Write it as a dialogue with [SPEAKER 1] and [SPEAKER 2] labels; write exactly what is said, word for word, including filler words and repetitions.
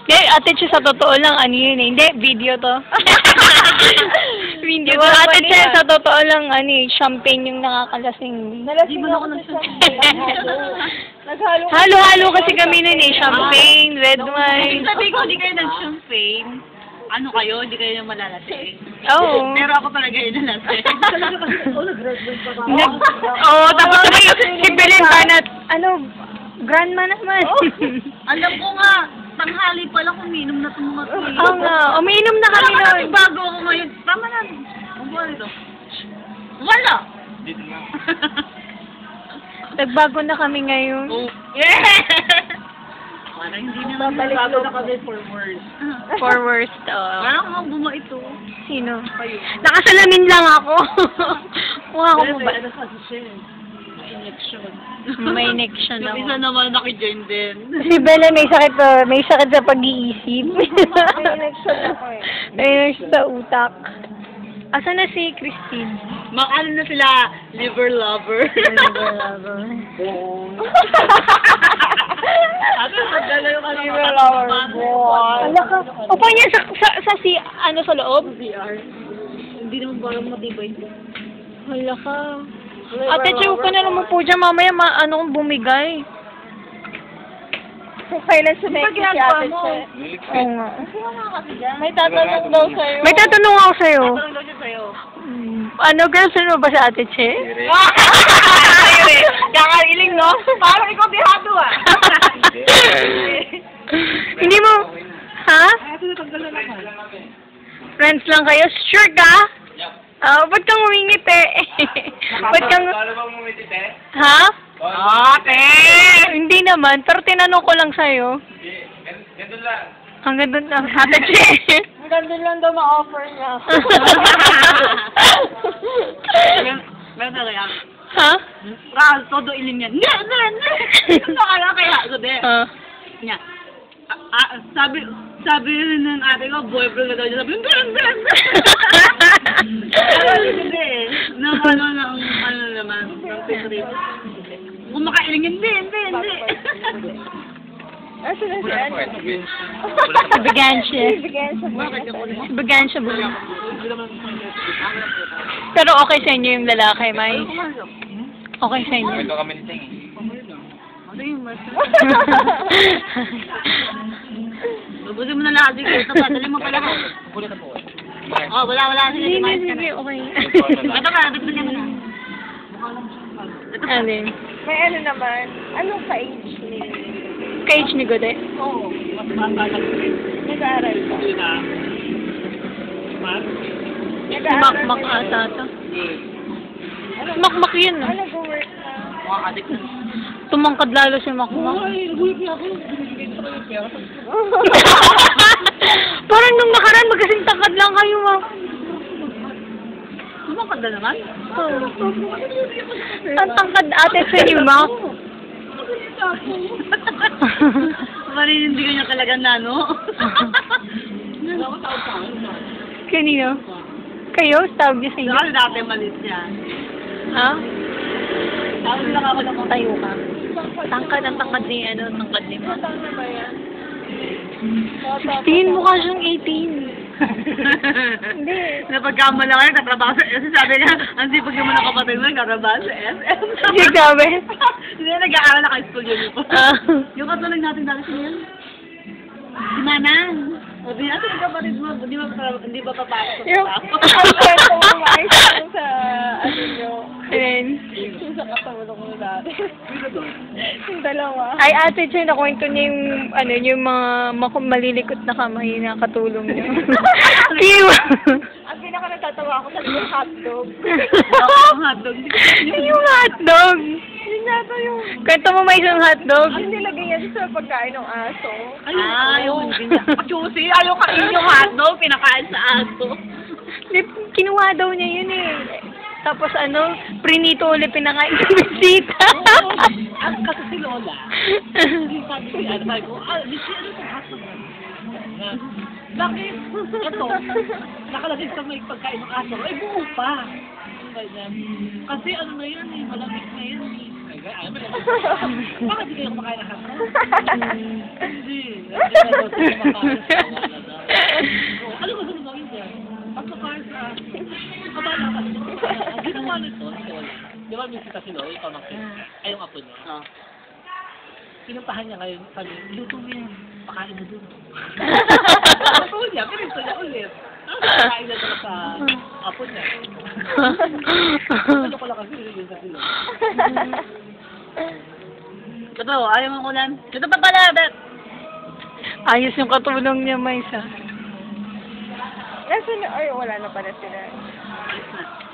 [SPEAKER 1] Hindi, ate Che, sa totoo lang, ano yun eh. Hindi, video to. Video to. Ate Che, sa totoo lang, ano eh, champagne yung nakakalasing.
[SPEAKER 2] Nalasing ako ng champagne.
[SPEAKER 1] Halo-halo kasi kami nun eh. Champagne, red wine.
[SPEAKER 2] Sabi ko, hindi kayo nag-champagne. Ano kayo? Hindi kayo yung malalasing.
[SPEAKER 1] Oo.
[SPEAKER 2] Pero ako talaga yung nalasing.
[SPEAKER 1] Oo, tapos sabi si Belen Banat, ano, grandma naman.
[SPEAKER 2] Alam ko nga, tanghali pala kuminom na itong mga tuloy.
[SPEAKER 1] Oo nga, umiinom na kami
[SPEAKER 2] Wala
[SPEAKER 1] nun.
[SPEAKER 2] bago ako ngayon. Tama na. Ang buwan ito. Wala!
[SPEAKER 1] Nagbago na kami ngayon.
[SPEAKER 2] Oh. Yeah! Parang hindi naman bago na kami for worse.
[SPEAKER 1] For worst, oo.
[SPEAKER 2] Parang mga buma ito.
[SPEAKER 1] Sino? Nakasalamin lang ako. Mukha ko mo ba?
[SPEAKER 2] Ano kasi siya? Injection.
[SPEAKER 1] May injection ako.
[SPEAKER 2] Yung isa naman nakijoin din.
[SPEAKER 1] Si Bella may sakit pa, may sakit sa pag-iisip. May injection ako eh. May injection sa utak. Asan na si Christine?
[SPEAKER 2] Makano na sila, liver lover.
[SPEAKER 1] Liver lover.
[SPEAKER 2] Ate, magdala yung ano.
[SPEAKER 1] Liver lover. Ala ka. Upo niya sa, sa, sa si, ano sa loob?
[SPEAKER 2] V R. Hindi naman parang matibay ito.
[SPEAKER 1] Hala ka. Ate, chill ka na naman po dyan. Mamaya, ma ano kung bumigay. Kung kailan sumeki si Ate Che. Oo nga. May tatanong daw sa'yo. May tatanong ako sa'yo.
[SPEAKER 2] Tatanong daw siya sa'yo.
[SPEAKER 1] Hmm. Ano, girlfriend mo ba si Ate Che?
[SPEAKER 2] Kakailing, no? Parang ikaw bihado, ah.
[SPEAKER 1] Hindi mo, ha? Friends lang kayo? Sure ka? Ah, ba't kang umingiti? Ba't kang... Ha?
[SPEAKER 2] Ate!
[SPEAKER 1] Hindi naman, pero tinanong ko lang sa'yo.
[SPEAKER 3] Gandun lang.
[SPEAKER 1] Hanggang doon lang. Ate Che.
[SPEAKER 2] Gandun lang daw ma-offer niya. Meron na kaya?
[SPEAKER 1] Ha?
[SPEAKER 2] Ral, todo ilim yan. Hindi, hindi, hindi. Nakala kaya. So, de.
[SPEAKER 1] Ah.
[SPEAKER 2] Niya. Ah, sabi, sabi rin ng ate ko, boyfriend na daw niya. Sabi, hindi, hindi, hindi. Pero hindi eh. Nang ano, ng ano naman, ng titrip. Kung makailing, hindi, hindi, hindi.
[SPEAKER 1] Asa na siya? Bigansya. Bigansya ba? Pero okay sa inyo yung lalaki, May? Okay sa inyo.
[SPEAKER 3] Ito kami niting eh.
[SPEAKER 2] Ano yung mas? Babusin mo na lahat. Sige, ito pa. Dali mo pala ko. Oh, wala, wala. Sige,
[SPEAKER 1] Hindi,
[SPEAKER 2] kumain ka
[SPEAKER 1] hindi,
[SPEAKER 2] na.
[SPEAKER 1] okay.
[SPEAKER 2] Ito ka, dagdagan mo na. Ito pa.
[SPEAKER 1] Ano yun?
[SPEAKER 4] May ano naman, anong ka-age ni?
[SPEAKER 1] Ka-age ni Gode?
[SPEAKER 2] Oo, mas bata lang.
[SPEAKER 4] Nag-aaral pa.
[SPEAKER 2] Hindi na. Mas?
[SPEAKER 4] Nag-aaral
[SPEAKER 1] Makmak
[SPEAKER 4] pa
[SPEAKER 1] ata ito. Makmak yun, no?
[SPEAKER 4] Ah, nag-work na.
[SPEAKER 2] Mga adik na.
[SPEAKER 1] Tumangkad lalo si Makmak.
[SPEAKER 2] Ay, nag-work na ako. Binibigay ko yung pera.
[SPEAKER 1] Parang nung nakaraan, magkasing tangkad lang kayo, ma.
[SPEAKER 2] Sumakad na naman?
[SPEAKER 1] Oh. Ang tangkad ate sa inyo, ma.
[SPEAKER 2] Marinindigan niya talaga na, no?
[SPEAKER 1] Kanino? Kayo? Tawag niyo sa inyo?
[SPEAKER 2] Kasi dati malis niya.
[SPEAKER 1] Ha?
[SPEAKER 2] Tawag lang ako ng
[SPEAKER 1] Tayo ka. Tangkad ang tangkad ni, ano, tangkad ni ma.
[SPEAKER 4] Ano ba yan?
[SPEAKER 1] sixteen, mukha siyang eighteen.
[SPEAKER 4] Hindi.
[SPEAKER 2] Napagkamala kayo, katrabaho sa S M. Sabi nga, ang sipag naman ng kapatid mo, katrabaho sa S M.
[SPEAKER 1] Hindi sabi.
[SPEAKER 2] Hindi na nag-aaral na high school yun po.
[SPEAKER 1] Ah.
[SPEAKER 2] Yung katulog natin dati siya yun. Si Manang. O di natin yung kapatid mo, hindi ba, hindi ba papasok sa
[SPEAKER 4] Yung,
[SPEAKER 2] trabaho?
[SPEAKER 4] ang kwento mo maayos yung sa, ano nyo,
[SPEAKER 1] Ayun.
[SPEAKER 4] yung sa katulog mo dati. Yung dalawa.
[SPEAKER 1] Ay, ate Che, nakwento niya yung, ano, yung mga makum malilikot na kamay na katulong niya. Kiw!
[SPEAKER 4] Ang pinaka natatawa ko sa yung hotdog.
[SPEAKER 2] Ang hotdog.
[SPEAKER 1] yung hotdog!
[SPEAKER 4] Yun yata yung,
[SPEAKER 1] Kwento mo may isang hotdog?
[SPEAKER 4] ang nilagay niya sa pagkain ng aso.
[SPEAKER 2] Ah, yung juicy. Ayaw kain yung hotdog, pinakain sa aso.
[SPEAKER 1] Di, kinuha daw niya yun eh. Tapos ano, prinito ulit pinakain sa bisita.
[SPEAKER 2] Ang kasi si Lola. Sabi ko, ano sabi ko, ah, di siya ano sa hotdog. Bakit? Ito, nakalagay sa may pagkain ng aso. Ay, buo pa. Kasi ano na yun eh, malamig na yun eh. binigay. Ayaw mo lang. Bakit hindi kayo kumakain ng hotdog? Hindi. Hindi na daw sila kumakain sa wala na. Ano gusto mo gawin dyan? Pagkakain sa... Kabala ka. Ang ginawa nito, Sol. Di ba bisita si Loy, ikaw ng ay yung apo niya.
[SPEAKER 4] Ah.
[SPEAKER 2] Pinuntahan niya ngayon, sabi, luto mo yan. Pakain mo dun. Apo niya, pinunta niya ulit. Pakain na talaga sa apo niya. Ano ko lang kasi yun sa sila.
[SPEAKER 4] Totoo, ayaw mo kulan. Ito pa pala, Bet.
[SPEAKER 1] Ayos yung katulong niya, Maisa.
[SPEAKER 4] Nasaan na? Ay, wala na pala sila.